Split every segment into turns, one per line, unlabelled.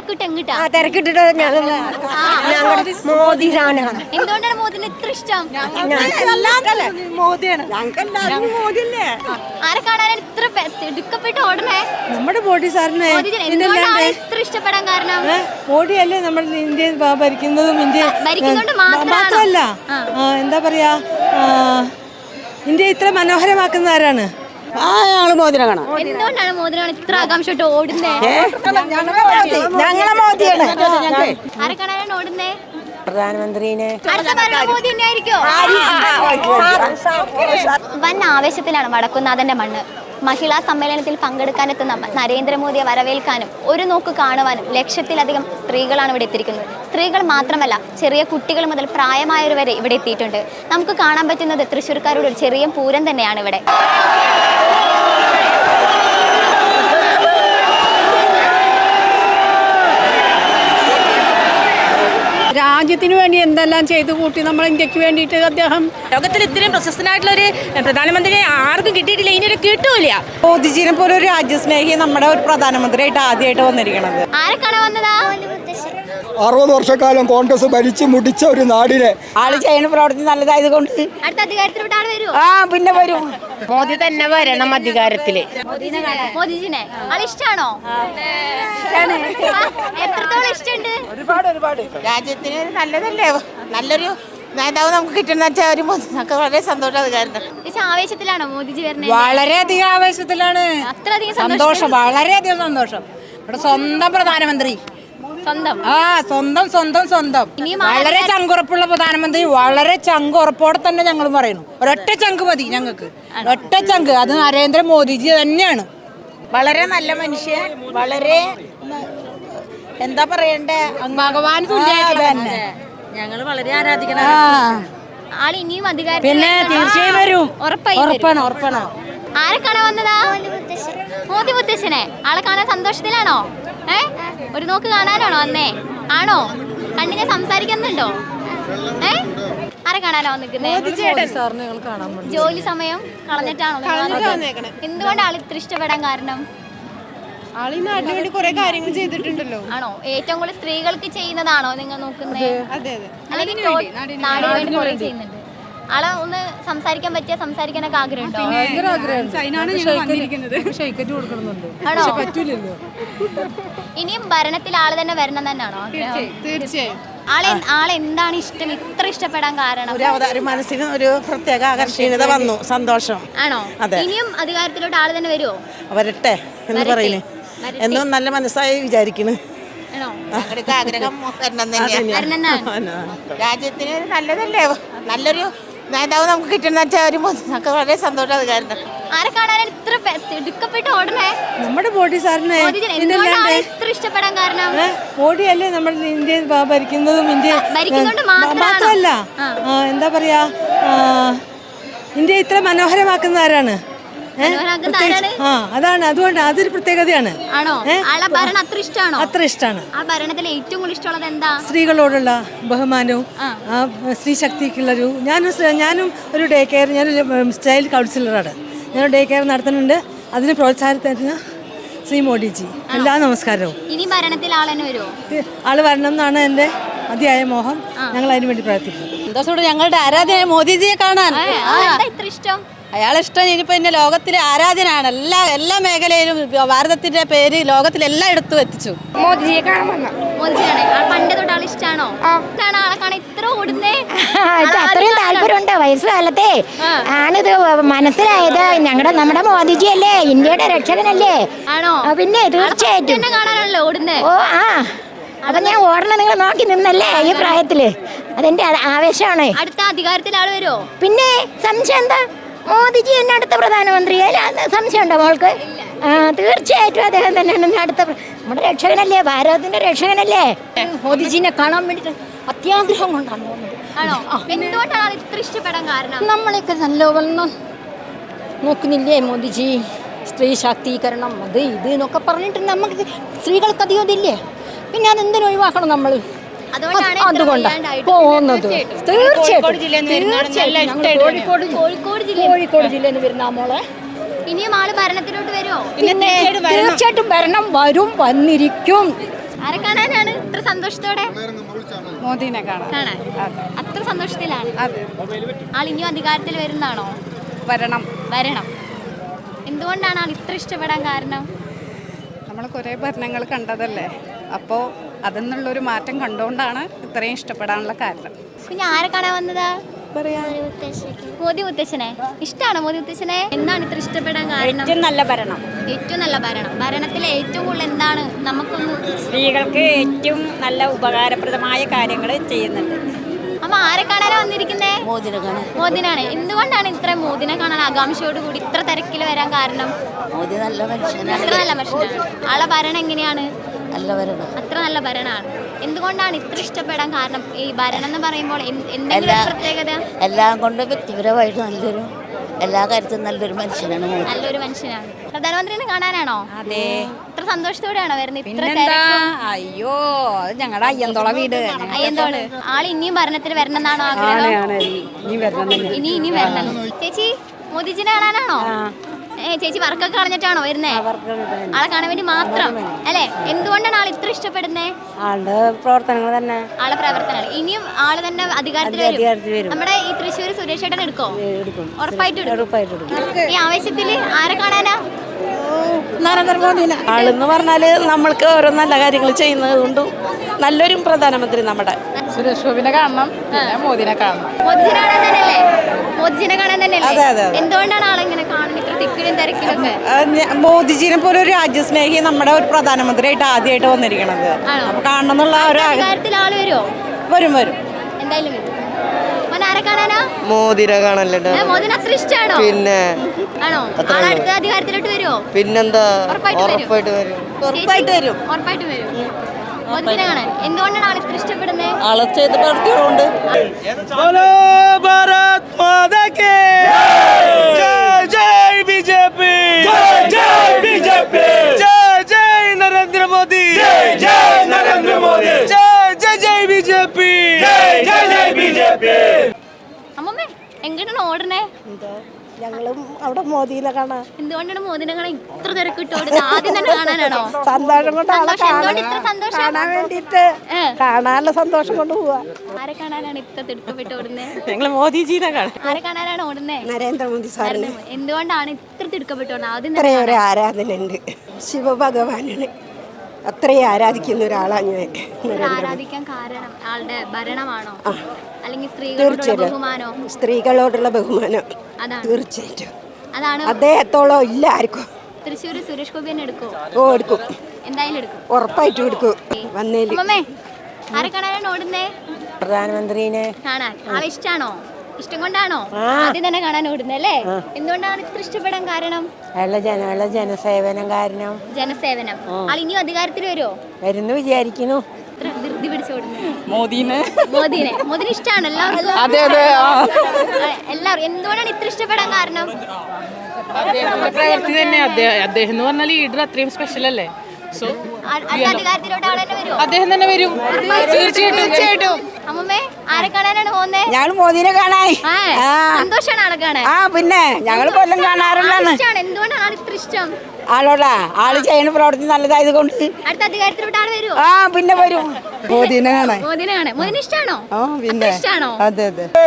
തിരക്കിട്ട് എങ്ങിട്ടാ
തിരക്കിട്ടിട്ട് മോദി സാധനമാണ്.
എന്തുകൊണ്ടാണ് മോദിനെ ഇത്ര ഇഷ്ടം? ആരെ കാണാനാണ് ഇത്ര തിടുക്കപ്പെട്ട് ഓടണേ?
നമ്മുടെ മോദി സാറിനെ.
എന്തുകൊണ്ടാണ് ഇത്ര ഇഷ്ടപ്പെടാൻ കാരണം?
മോദിയല്ലേ നമ്മൾ ഇന്ത്യ ഭരിക്കുന്നതും ഇന്ത്യ
ഭരിക്കുന്നതുകൊണ്ട്
മാത്രമല്ല, എന്താ പറയാ, ഇന്ത്യ ഇത്ര മനോഹരമാക്കുന്ന ആരാണ്?
മോദിനെ കാണാം.
എന്തുകൊണ്ടാണ് മോദിനാണ് ഇത്ര ആകാംക്ഷയോട്ട് ഓടുന്നേ?
ഞങ്ങളെ മോദിയാണ്.
ആരെ കാണാനാണ് ഓടുന്നേ?
പ്രധാനമന്ത്രിനെ.
അടുത്ത ഭരണം മോദി തന്നെ ആയിരിക്കോ? വൻ ആവേശത്തിലാണ് വടക്കുന്നാഥന്റെ മണ്ണ്. മഹിളാ സമ്മേളനത്തിൽ പങ്കെടുക്കാനെത്തുന്ന നരേന്ദ്രമോദിയെ വരവേൽക്കാനും ഒരു നോക്ക് കാണുവാനും ലക്ഷത്തിലധികം സ്ത്രീകളാണ് ഇവിടെ എത്തിയിരിക്കുന്നത്. സ്ത്രീകൾ മാത്രമല്ല, ചെറിയ കുട്ടികൾ മുതൽ പ്രായമായവർ വരെ ഇവിടെ എത്തിയിട്ടുണ്ട്. നമുക്ക് കാണാൻ പറ്റുന്നത് തൃശ്ശൂർക്കാരുടെ ഒരു ചെറിയ പൂരം തന്നെയാണ് ഇവിടെ.
രാജ്യത്തിന് വേണ്ടി എന്തെല്ലാം ചെയ്തു കൂട്ടി നമ്മൾ ഇന്ത്യക്ക് വേണ്ടിയിട്ട് അദ്ദേഹം.
ലോകത്തിൽ ഇത്രയും പ്രശസ്തനായിട്ടുള്ള ഒരു പ്രധാനമന്ത്രിയെ ആർക്കും കിട്ടിയിട്ടില്ല, ഇനി കിട്ടൂല.
മോദിജിനെ പോലെ ഒരു രാജ്യസ്നേഹി നമ്മുടെ ഒരു പ്രധാനമന്ത്രിയായിട്ട് ആദ്യമായിട്ട് വന്നിരിക്കണത്.
ആരെ കാണാൻ വന്നതാ?
60 വർഷക്കാലം കോൺഗ്രസ് ഭരിച്ചു മുടിച്ച ഒരു നാടിനെ
ആള് ചെയ്യുന്ന പ്രവർത്തി നല്ലതായത് കൊണ്ട്
അടുത്ത അധികാരത്തിലോട്ട് ആള് വരുമോ?
പിന്നെ വരും.
മോദി തന്നെ വരണം അധികാരത്തില്.
മോദിജിനെ ആള് ഇഷ്ടാണോ? എത്രത്തോളം ഇഷ്ടമുണ്ട്?
ഒരുപാട്.
രാജ്യത്തിന് നല്ലതല്ലേ, നല്ലൊരു നേതാവ് നമുക്ക് കിട്ടുന്ന വെച്ചാൽ ഒരു വളരെ സന്തോഷം. കാരണം
ആവേശത്തിലാണോ മോദിജി വരുന്നത്?
വളരെയധികം ആവേശത്തിലാണ്.
അത്രയധികം
സന്തോഷം, വളരെയധികം സന്തോഷം. ഇവിടെ സ്വന്തം പ്രധാനമന്ത്രി,
സ്വന്തം
സ്വന്തം വളരെ ചങ്കുറപ്പുള്ള പ്രധാനമന്ത്രി. വളരെ ചങ്കുറപ്പോടെ തന്നെ ഞങ്ങൾ പറയുന്നു, ഒരൊറ്റ ചങ്ക് മതി ഞങ്ങൾക്ക്, ഒറ്റ ചങ്ക്. അത് നരേന്ദ്രമോദിജി തന്നെയാണ്.
വളരെ നല്ല മനുഷ്യൻ, വളരെ എന്താ പറയണ്ടേ,
ഭഗവാൻ തുല്യമായിട്ട് തന്നെ
ഞങ്ങൾ വളരെ ആരാധിക്കണം.
ആള് ഇനിയും അധികാരത്തിൽ
പിന്നെ തീർച്ചയായും വരും.
ഉറപ്പാണ്. ആരെ കാണാൻ വന്നതാ? മോദി മുത്തശ്ശനെ. ആളെ കാണാൻ സന്തോഷത്തിലാണോ? ഒരു നോക്ക് കാണാനാണോ വന്നേ? ആണോ? കണ്ണിനെ സംസാരിക്കുന്നുണ്ടോ? ആരെ കാണാനോ വന്നിരിക്കുന്നത്? ജോലി സമയം കളഞ്ഞിട്ടാണോ? എന്തുകൊണ്ട് ആൾ ഇത്ര ഇഷ്ടപ്പെടാൻ കാരണം?
ആളിന് കുറെ കാര്യങ്ങൾ ചെയ്തിട്ടുണ്ടല്ലോ.
ആണോ? ഏറ്റവും കൂടുതൽ സ്ത്രീകൾക്ക് ചെയ്യുന്നതാണോ നിങ്ങൾ നോക്കുന്നത്? അല്ലെങ്കിൽ നാടിന് വേണ്ടി കുറെ ചെയ്യുന്നുണ്ട്. ആളെ ഒന്ന് സംസാരിക്കാനൊക്കെ ആഗ്രഹമുണ്ടോ? ആണോ? ഇനിയും ഭരണത്തിൽ ആള് തന്നെ വരണം തന്നെയാണോ?
തീർച്ചയായും.
ആളെ എന്താണ് ഇഷ്ടം, ഇത്ര ഇഷ്ടപ്പെടാൻ കാരണം?
ഒരു മനസ്സിന് ഒരു പ്രത്യേക ആകർഷണീയത വന്നു, സന്തോഷം.
ആണോ? ഇനിയും അധികാരത്തിലോട്ട് ആള് തന്നെ വരുമോ?
വരട്ടെ എന്ന് പറയുന്നേ, എന്നും നല്ല മനസ്സായി വിചാരിക്കുന്നു. ആഗ്രഹം രാജ്യത്തിന് നല്ലതല്ലേ, നല്ലൊരു നേതാവ് നമുക്ക് കിട്ടുന്ന വെച്ചാൽ ഒരു വളരെ സന്തോഷം. കാരണം
ആരെ കാണാനാണ് ഇത്ര തിടുക്കപ്പെട്ട് ഓടണേ?
നമ്മുടെ മോദി സാറിനെ.
ഇത്ര ഇഷ്ടപ്പെടാൻ കാരണം?
മോദിയല്ലേ നമ്മൾ ഇന്ത്യ ഭരിക്കുന്നതും ഇന്ത്യ
ഭരിക്കുന്നതുകൊണ്ട്
മാത്രമല്ല, എന്താ പറയാ, ഇന്ത്യ ഇത്ര മനോഹരമാക്കുന്ന ആരാണ്? അതാണ്. അതുകൊണ്ട് അതൊരു പ്രത്യേകതയാണ്. അത്ര ഇഷ്ടമാണ്.
ആ ഭരണത്തിൽ ഏറ്റവും കൂടുതൽ ഇഷ്ടമുള്ളത് എന്താ?
സ്ത്രീകളോടുള്ള ബഹുമാനവും സ്ത്രീ ശക്തിക്കുള്ളൊരു. ഞാനും ഒരു ഡേ കെയർ, ഞാനൊരു ചൈൽഡ് കൗൺസിലറാണ്. ഞാൻ ഡേ കെയർ നടത്തുന്നുണ്ട്. അതിന് പ്രോത്സാഹനത്തിന് ശ്രീ മോദിജി എല്ലാ നമസ്കാരവും.
ഇനി ഭരണത്തിൽ ആൾ തന്നെ വരുമോ?
ആള് വരണം എന്നാണ് എൻ്റെ അതിയായ മോഹം. ഞങ്ങൾ അതിനു വേണ്ടി പ്രവർത്തിക്കും.
സന്തോഷത്തോടെ ഞങ്ങളുടെ ആരാധന മോദിജിയെ കാണാൻ.
ഇത്ര ഇഷ്ടം
അയാളിഷ്ടം. ഇനിയിപ്പോൾ ഇന്നെ ലോകത്തിലെ ആരാധനാണ്. എല്ലാ മേഖലയിലും ഭാരതത്തിന്റെ പേര് ലോകത്തിലെല്ലാം എടുത്തു എത്തിച്ചു.
മോദിജിയെ കാണാൻ
മോദിജിയാണ്. പണ്ട് തൊട്ട് ആൾ ഇഷ്ടമാണോ? ആളെ കാണാൻ ഇത്ര ഓടുന്നേ?
അത്രയും താല്പര്യമുണ്ട്. വയസ്സുകാലത്തെ ആണിത് മനസ്സിലായത്. നമ്മുടെ മോദിജി അല്ലേ, ഇന്ത്യയുടെ രക്ഷകനല്ലേ.
ആണോ?
പിന്നെ തീർച്ചയായിട്ടും
കാണാനാണല്ലോ ഓടുന്നേ.
അപ്പൊ ഞാൻ ഓടണം നിങ്ങൾ നോക്കി നിന്നല്ലേ ഈ പ്രായത്തില്. അതെന്റെ ആവേശമാണ്.
അടുത്ത അധികാരത്തിൽ ആള് വരുമോ?
പിന്നെ സംശയം എന്താ? മോദിജി എന്നെ അടുത്ത പ്രധാനമന്ത്രി. സംശയം ഉണ്ടോ മോൾക്ക്? തീർച്ചയായിട്ടും അദ്ദേഹം തന്നെയാണ് അടുത്ത. നമ്മുടെ രക്ഷകനല്ലേ, ഭാരതത്തിന്റെ രക്ഷകനല്ലേ.
മോദിജിനെ കാണാൻ വേണ്ടിട്ട് അത്യാഗ്രഹം കൊണ്ടാണ് പോകുന്നത്.
ആണോ? എന്തുകൊണ്ടാണ് ഇത്ര ഇഷ്ടപ്പെടാൻ കാരണം?
നമ്മളെയൊക്കെ നല്ലവണ്ണം നോക്കുന്നില്ലേ മോദിജി? സ്ത്രീ ശാക്തീകരണം, അത് ഇത് എന്നൊക്കെ പറഞ്ഞിട്ട് നമുക്ക് സ്ത്രീകൾക്ക് അധികം ഇതില്ലേ. പിന്നെ അതെന്തിനു ഒഴിവാക്കണം നമ്മൾ? അതുകൊണ്ടാണ് പോകുന്നത്. തീർച്ചയായിട്ടും കോഴിക്കോട് ജില്ലയിൽ നിന്ന് വരുന്ന മോളെ.
ഇനിയും ആള് ഭരണത്തിലോട്ട് വരുമോ?
പിന്നെ തീർച്ചയായിട്ടും ഭരണം വരും, വന്നിരിക്കും.
ആരെ കാണാനാണ് ഇത്ര സന്തോഷത്തോടെ?
മോദിനെ കാണാൻ
കാണാൻ അത്ര സന്തോഷത്തിലാണ്.
അതെ
ആൾ ഇനിയും അധികാരത്തിൽ വരുന്നതാണോ?
വരണം.
വരണം. എന്തുകൊണ്ടാണ് ആൾ ഇത്ര ഇഷ്ടപ്പെടാൻ കാരണം?
നമ്മൾ കുറേ ഭരണങ്ങൾ കണ്ടതല്ലേ, അപ്പോൾ അതിന്നുള്ളൊരു മാറ്റം കണ്ടുകൊണ്ടാണ് ഇത്രയും ഇഷ്ടപ്പെടാനുള്ള കാരണം.
പിന്നെ ആരെ കാണാൻ വന്നതാ? മോദി മുത്തശ്ശനെ ഇഷ്ടമാണോ? മോദി മുത്തശ്ശനെ എന്താണ് ഇത്ര ഇഷ്ടപ്പെടാൻ കാരണം?
ഏറ്റവും നല്ല ഭരണം,
ഏറ്റവും നല്ല ഭരണം. ഭരണത്തിൽ ഏറ്റവും കൂടുതൽ എന്താണ് നമുക്കൊന്ന്?
സ്ത്രീകൾക്ക് ഏറ്റവും നല്ല ഉപകാരപ്രദമായ കാര്യങ്ങൾ ചെയ്യുന്നുണ്ട്.
അമ്മ ആരെ കാണാനാ വന്നിരിക്കുന്നേ?
മോദിനെ കാണാൻ.
മോദിനാണ്. എന്തുകൊണ്ടാണ് ഇത്ര മോദിനെ കാണാൻ ആകാംക്ഷയോട് കൂടി ഇത്ര തിരക്കിൽ വരാൻ കാരണം?
മോദി നല്ല മനുഷ്യനാണ്,
അത്ര നല്ല മനുഷ്യനാണ്. ആളെ ഭരണം എങ്ങനെയാണ്?
നല്ല ഭരണം.
അത്ര നല്ല ഭരണമാണ്. എന്തുകൊണ്ടാണ് ഇത്ര ഇഷ്ടപ്പെടാൻ കാരണം? ഈ ഭരണം എന്ന് പറയുമ്പോൾ എന്തെങ്കിലും ഒരു പ്രത്യേകത?
എല്ലാം കൊണ്ട് വ്യക്തിപരമായിട്ട് നല്ലൊരു, എല്ലാ കാര്യത്തിലും നല്ലൊരു മനുഷ്യനാണ് മോദി.
നല്ലൊരു മനുഷ്യനാണ്. പ്രധാനമന്ത്രിനെ കാണാനാണോ?
അതെ.
ഇത്ര സന്തോഷത്തോടെയാണോ വരുന്നത്? ഇത്ര
പിന്നെന്താ, അയ്യോ അത് ഞങ്ങളുടെ അയ്യന്തോള വീട്.
അയ്യന്തോള്. ആൾ ഇനിയും ഭരണത്തിൽ വരണം എന്നാണോ ആഗ്രഹം? ഇനിയും വരണം. ചേച്ചി മോദിജിനെ കാണാനാണോ? ചേച്ചി വർക്കൊക്കെ കളഞ്ഞിട്ടാണോ വരുന്നേ? ആളെ കാണാൻ വേണ്ടി മാത്രം അല്ലേ? എന്തുകൊണ്ടാണ് ആൾ ഇത്ര ഇഷ്ടപ്പെടുന്നേ?
ആളുടെ പ്രവർത്തനങ്ങൾ തന്നെ.
ആളെ പ്രവർത്തനങ്ങൾ. ഇനിയും ആള് തന്നെ അധികാരത്തിൽ വരും. നമ്മുടെ ഈ തൃശ്ശൂർ സുരേഷ് ചേട്ടൻ എടുക്കോ? ഉറപ്പായിട്ടും എടുക്കും. ഈ ആവേശത്തിൽ ആരെ കാണാനാ?
നരേന്ദ്രമോദിനെ. ആളെന്ന് പറഞ്ഞാല് നമ്മൾക്ക് ഓരോ നല്ല കാര്യങ്ങൾ ചെയ്യുന്നത് കൊണ്ട് നല്ലൊരു പ്രധാനമന്ത്രി നമ്മുടെ.
സുരേഷ് ഗോപിനെ കാണണം, പിന്നെ മോദിനെ കാണണം.
മോദിജിനെ കാണാൻ തന്നെയല്ലേ? മോദിജിനെ കാണാൻ തന്നെയല്ലേ? എന്തുകൊണ്ടാണ് ആളെങ്ങനെ കാണുന്നത് ഇത്ര തിക്കിലും തിരക്കിലൊക്കെ?
മോദിജിനെ പോലെ ഒരു രാജ്യസ്നേഹി നമ്മുടെ ഒരു പ്രധാനമന്ത്രിയായിട്ട് ആദ്യമായിട്ട് വന്നിരിക്കണത്. അപ്പൊ കാണണം എന്നുള്ള ഒരു
അധികാരത്തിൽ ആള് വരുമോ?
വരും.
എന്തായാലും വരും. ആരെ കാണാനാ?
മോദിനെ കാണല്ലോ.
മോദിനെ അത്ര ഇഷ്ടമാണോ?
പിന്നെ
ആണോ? ആളെ അടുത്ത അധികാരത്തിലോട്ട് വരുമോ?
പിന്നെന്താ,
ഉറപ്പായിട്ട് വരും. മോദിജിനെ കാണാൻ എന്തുകൊണ്ടാണ് ആൾ ഇത്ര ഇഷ്ടപ്പെടുന്നത്?
ആളെ ചെയ്ത പ്രവൃത്തികളുണ്ട്.
അമ്മമ്മേ എങ്ങോട്ടാണ് ഓടണേ?
ഞങ്ങളും അവിടെ മോദിനെ കാണാൻ.
എന്തുകൊണ്ടാണ് മോദിനെ കാണാൻ ഇത്ര തിരക്കിട്ട് ഓടുന്നത്? ആദ്യം തന്നെ കാണാനാണോ?
സന്തോഷം കൊണ്ട്
എന്തുകൊണ്ട് ഇത്ര സന്തോഷം?
കാണാൻ വേണ്ടിട്ട്, കാണാനുള്ള സന്തോഷം കൊണ്ട് പോവാ.
ആരെ കാണാനാണ് ഇത്ര തിടുക്കപ്പെട്ട് ഓടുന്നത്?
ഞങ്ങള് മോദിജിനെ കാണാൻ.
ആരെ കാണാനാണ് ഓടുന്നത്?
നരേന്ദ്രമോദി സാറിന്
എന്തുകൊണ്ടാണ് ഇത്ര തിടുക്കപ്പെട്ട് ഓടുന്നത്? ആദ്യം
അത്രയും ഒരു ആരാധന ഉണ്ട് ശിവഭഗവാനാണ്. അത്രയും ആരാധിക്കുന്ന ഒരാളാണ് ഞാൻ.
ആരാധിക്കാൻ കാരണം ആളുടെ ഭരണമാണോ, അല്ലെങ്കിൽ സ്ത്രീകളോടുള്ള ബഹുമാനോ?
സ്ത്രീകളോടുള്ള ബഹുമാനം
അതാണ്.
തീർച്ചയായിട്ടും
അതാണ്.
അദ്ദേഹത്തോളം ഇല്ല ആർക്കും.
തൃശ്ശൂർ സുരേഷ് ഗോപി തന്നെ എടുക്കോ?
എടുക്കും,
എന്തായാലും എടുക്കും.
ഉറപ്പായിട്ടും എടുക്കും. വന്നേല്
അമ്മമ്മേ ആരെ കാണാനാണ് ഓടുന്നേ?
പ്രധാനമന്ത്രിനെ
കാണാൻ. ആളെ ഇഷ്ടാണോ? ഇഷ്ടം കൊണ്ടാണോ ആദ്യം തന്നെ കാണാൻ ഓടുന്നല്ലേ? എന്തുകൊണ്ടാണ് ഇത്ര ഇഷ്ടപ്പെടാൻ കാരണം?
ജനസേവനം കാരണം.
ജനസേവനം. ആൾ ഇനിയും അധികാരത്തിൽ വരുമോ?
വരുന്നു വിചാരിക്കുന്നു.
ഇത്ര ധൃതി പിടിച്ചോടുന്നു.
മോദിനെ
ഇഷ്ടമാണ് എല്ലാവർക്കും.
അതെ.
എല്ലാവരും എന്തുകൊണ്ടാണ് ഇത്ര ഇഷ്ടപ്പെടാൻ കാരണം?
അദ്ദേഹത്തിന്റെ പ്രവൃത്തി തന്നെ. അദ്ദേഹം എന്ന് പറഞ്ഞാൽ ലീഡർ അത്രയും സ്പെഷ്യൽ അല്ലേ. സോ
അധികാരത്തിലോട്ട് ആൾ തന്നെ വരുമോ?
അദ്ദേഹം തന്നെ വരും, തീർച്ചയായിട്ടും.
അമ്മമ്മേ ആരെ കാണാനാണ് പോകുന്നേ?
ഞങ്ങൾ മോദിനെ കാണാൻ.
സന്തോഷാണ് ആളെ കാണാൻ.
പിന്നെ ഞങ്ങൾ കൊല്ലം കാണാറുള്ളതാണ്.
എന്തുകൊണ്ടാണ് ആൾ ഇത്ര ഇഷ്ടം?
ആളോടാ ആള് ചെയ്യുന്ന പ്രവൃത്തി നല്ലതായത് കൊണ്ട്.
അടുത്ത അധികാരത്തിലോട്ട് ആൾ വരുമോ?
പിന്നെ വരും. മോദിനെ കാണാൻ.
മോദിനെ ഇഷ്ടാണോ?
പിന്നെ
ഇഷ്ടാണോ?
അതെ.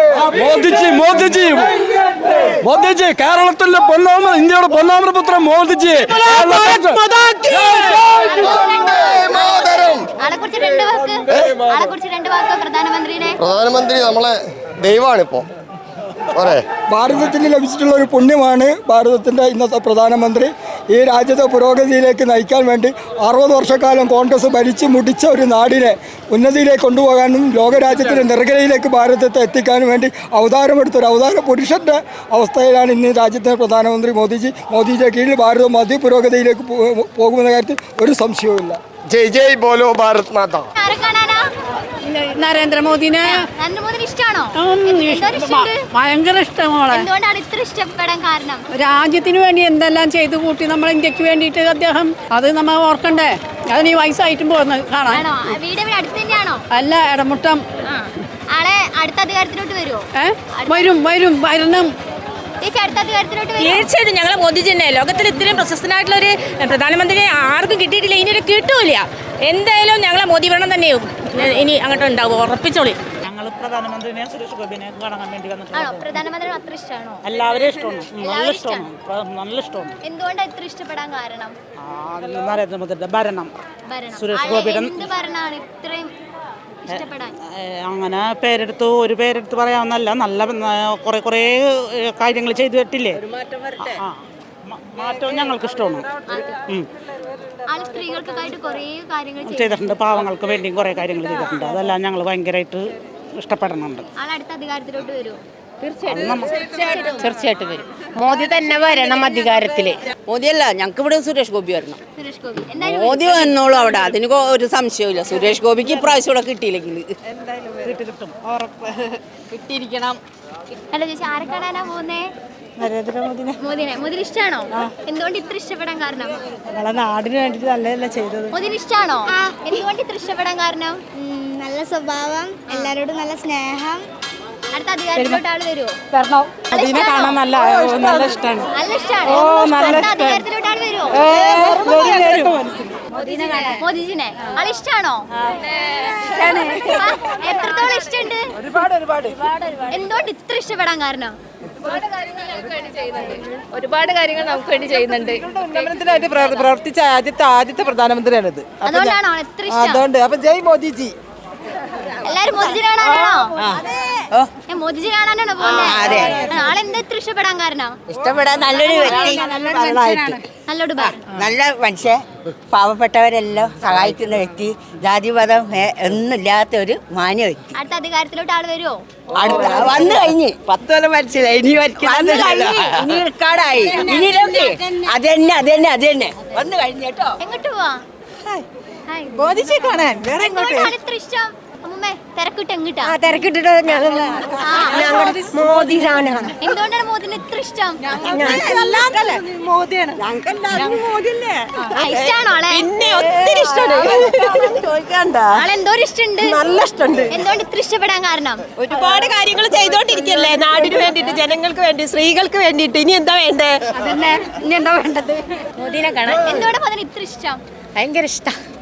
മോദിജി കേരളത്തിലെ ഇന്ത്യയുടെ പൊന്നാമര പുത്രൻ മോദിജി.
ആളെ കുറിച്ച് രണ്ട് വാക്ക്
പ്രധാനമന്ത്രി നമ്മളെ ദൈവമാണിപ്പോ.
ഭാരതത്തിന് ലഭിച്ചിട്ടുള്ള ഒരു പുണ്യമാണ് ഭാരതത്തിൻ്റെ ഇന്നത്തെ പ്രധാനമന്ത്രി. ഈ രാജ്യത്തെ പുരോഗതിയിലേക്ക് നയിക്കാൻ വേണ്ടി 60 വർഷക്കാലം കോൺഗ്രസ് ഭരിച്ചു മുടിച്ച ഒരു നാടിനെ ഉന്നതിയിലേക്ക് കൊണ്ടുപോകാനും ലോകരാജ്യത്തിൻ്റെ നെറുകയിലേക്ക് ഭാരതത്തെ എത്തിക്കാനും വേണ്ടി അവതാരമെടുത്തൊരു അവതാര പുരുഷൻ്റെ അവസ്ഥയിലാണ് ഇന്ന് രാജ്യത്തെ പ്രധാനമന്ത്രി മോദിജിയുടെ കീഴിൽ ഭാരതം അതിപുരോഗതിയിലേക്ക് പോകുമെന്ന കാര്യത്തിൽ ഒരു സംശയവുമില്ല.
ജയ് ബോലോ ഭാരത് മാതാ.
നരേന്ദ്രമോദിനെ
ഇഷ്ടമാണോ?
ഭയങ്കര ഇഷ്ടമാണ്.
എന്തുകൊണ്ടാണ് ഇത്ര ഇഷ്ടപ്പെടാൻ കാരണം?
രാജ്യത്തിന് വേണ്ടി എന്തെല്ലാം ചെയ്തു കൂട്ടി നമ്മൾ ഇന്ത്യക്ക് വേണ്ടിയിട്ട് അദ്ദേഹം. അത് നമ്മൾ ഓർക്കണ്ടേ. അതിന് ഈ വയസ്സായിട്ടും പോകുന്നത് കാണാൻ.
വീട് അടുത്ത് തന്നെയാണോ?
അല്ല, ഇടമുട്ടം.
ആളെ അടുത്ത അധികാരത്തിലോട്ട് വരുമോ?
വരണം.
തീർച്ചയായിട്ടും ഞങ്ങളെ മോദിജി തന്നെ. ലോകത്തിൽ ഇത്രയും പ്രശസ്തനായിട്ടുള്ള ഒരു പ്രധാനമന്ത്രിയെ ആർക്കും കിട്ടിയിട്ടില്ല, ഇനി ഒരു കിട്ടൂല.
എന്തായാലും ഞങ്ങളെ മോദി ഭരണം തന്നെയും ഇനി അങ്ങോട്ട് ഉണ്ടാവും, ഉറപ്പിച്ചോളി.
ഞങ്ങൾ പ്രധാനമന്ത്രിനെ സുരേഷ് ഗോപിനെ കാണാൻ വേണ്ടി
ആണോ?
വന്നിട്ടുണ്ട്.
പ്രധാനമന്ത്രി അത്ര ഇഷ്ടമാണോ?
എല്ലാവരും ഇഷ്ടമാണ്, നല്ല
എല്ലാവരും
ഇഷ്ടമാണ്, നല്ല ഇഷ്ടമാണ്.
എന്തുകൊണ്ടാണ് ഇത്ര ഇഷ്ടപ്പെടാൻ കാരണം?
നരേന്ദ്രമോദിയുടെ ഭരണം,
ഭരണം.
സുരേഷ്
ആളെ
ഗോപിയുടെ
എന്ത് ഭരണമാണ് ഇത്രയും ഇഷ്ടപ്പെടാൻ?
അങ്ങനെ ഒരു പേരെടുത്ത് പറയാവുന്നല്ല, നല്ല കുറേ കാര്യങ്ങൾ ചെയ്തിട്ടില്ലേ. മാറ്റവും ഞങ്ങൾക്ക് ഇഷ്ടമാണ്.
ആള് സ്ത്രീകൾക്കായിട്ട് കുറേ കാര്യങ്ങൾ
ചെയ്തിട്ടുണ്ട്, പാവങ്ങൾക്ക് വേണ്ടിയും കുറേ കാര്യങ്ങൾ ചെയ്തിട്ടുണ്ട്. അതെല്ലാം ഞങ്ങൾ ഭയങ്കരമായിട്ട് ഇഷ്ടപ്പെടുന്നുണ്ട്.
ആളടുത്ത അധികാരത്തിലോട്ട് വരുമോ?
തീർച്ചയായിട്ടും വരും. മോദി തന്നെ വരണം അധികാരത്തില്.
മോദിയല്ല, ഞങ്ങൾക്ക് ഇവിടെ സുരേഷ് ഗോപി വരണം.
സുരേഷ് ഗോപി എന്തായാലും
മോദി വന്നോളൂ അവിടെ, അതിന് ഒരു സംശയമില്ല. സുരേഷ് ഗോപിക്ക് ഇപ്രാവശ്യം ഇവിടെ കിട്ടിയില്ലെങ്കിൽ കിട്ടിയിരിക്കണം.
അല്ല ചേച്ചി, ആരെ കാണാനാ പോകുന്നേ? മോദിനെ ഇഷ്ടമാണോ? എന്തുകൊണ്ട് ഇത്ര ഇഷ്ടപ്പെടാൻ കാരണം?
നാടിന് വേണ്ടിയിട്ട് നല്ലതല്ല ചെയ്തത്.
മോദിനെ ഇഷ്ടമാണോ? എന്തുകൊണ്ട് ഇത്ര ഇഷ്ടപ്പെടാൻ കാരണം?
നല്ല സ്വഭാവം, എല്ലാവരോടും നല്ല സ്നേഹം.
അടുത്ത അധികാരത്തിലോട്ട് ആള് വരുമോ?
അതിനെ കാണാൻ നല്ല ഇഷ്ടമാണ്.
നല്ല ഇഷ്ടമാണ്. അടുത്ത അധികാരത്തിലോട്ട് ആള് വരുമോ? മോദിജിനെ ആള് ഇഷ്ടമാണോ? എത്രത്തോളം ഇഷ്ടമുണ്ട്? എന്തുകൊണ്ട് ഇത്ര ഇഷ്ടപ്പെടാൻ കാരണം?
ഒരുപാട് കാര്യങ്ങൾ നമുക്ക് വേണ്ടി ചെയ്യുന്നുണ്ട്.
ഉന്നമനത്തിനായിട്ട് പ്രവർത്തിച്ച ആദ്യത്തെ പ്രധാനമന്ത്രിയാണിത്.
അതുകൊണ്ടാണോ ഇത്ര ഇഷ്ടം?
അതുകൊണ്ട് അപ്പൊ ജയ് മോദിജി.
എല്ലാരും മോദിജി കാണാനാണോ? മോദിജി കാണാനാണോ പോകുന്നത്? ആളെന്താ ഇത്ര ഇഷ്ടപ്പെടാൻ കാരണം?
ഇഷ്ടപ്പെടാൻ നല്ലൊരു വ്യക്തി,
നല്ലോട്
നല്ല മനുഷ്യ, പാവപ്പെട്ടവരെല്ലാം സഹായിക്കുന്ന വ്യക്തി, ജാതിമതം ഒന്നുമില്ലാത്ത ഒരു മാന്യ വ്യക്തി.
അടുത്ത അധികാരത്തിലോട്ട് ആള് വരുമോ?
വന്നു കഴിഞ്ഞ് 10 കൊല്ലം മരിച്ചില്ല, ഇനി ഇനി റിക്കാർഡായി, ഇനി അതന്നെ വന്നു കഴിഞ്ഞു കേട്ടോ.
എങ്ങോട്ട് പോവാ?
മോദിജി കാണാൻ വേറെ
എന്തുകൊണ്ടാണ് ഇത്ര ഇഷ്ടം? അമ്മൂമ്മേ, തിരക്കിട്ട് എങ്ങിട്ടാ?
തിരക്കിട്ടിട്ട് മോദി സാധനമാണ്.
എന്തുകൊണ്ടാണ് മോദിനെ ഇത്ര ഇഷ്ടം?
മോദിയാണ്.
ഇഷ്ടാണോ ആളെ?
ഒത്തിരി ഇഷ്ടമാണ്. ചോദിക്കണ്ട,
ആളെന്തോരം ഇഷ്ടമുണ്ട്?
നല്ല ഇഷ്ടമുണ്ട്.
എന്തുകൊണ്ട് ഇത്ര ഇഷ്ടപ്പെടാൻ കാരണം?
ഒരുപാട് കാര്യങ്ങൾ ചെയ്തോണ്ടിരിക്കല്ലേ, നാടിന് വേണ്ടിയിട്ട്, ജനങ്ങൾക്ക് വേണ്ടി, സ്ത്രീകൾക്ക് വേണ്ടിയിട്ട്. ഇനി എന്താ വേണ്ടേ?
അതന്നെ, ഇനി എന്താ വേണ്ടത്?
മോദിനെ കാണാൻ
എന്തുകൊണ്ട് മോദിനെ ഇത്ര ഇഷ്ടം?
ഭയങ്കര ഇഷ്ടം.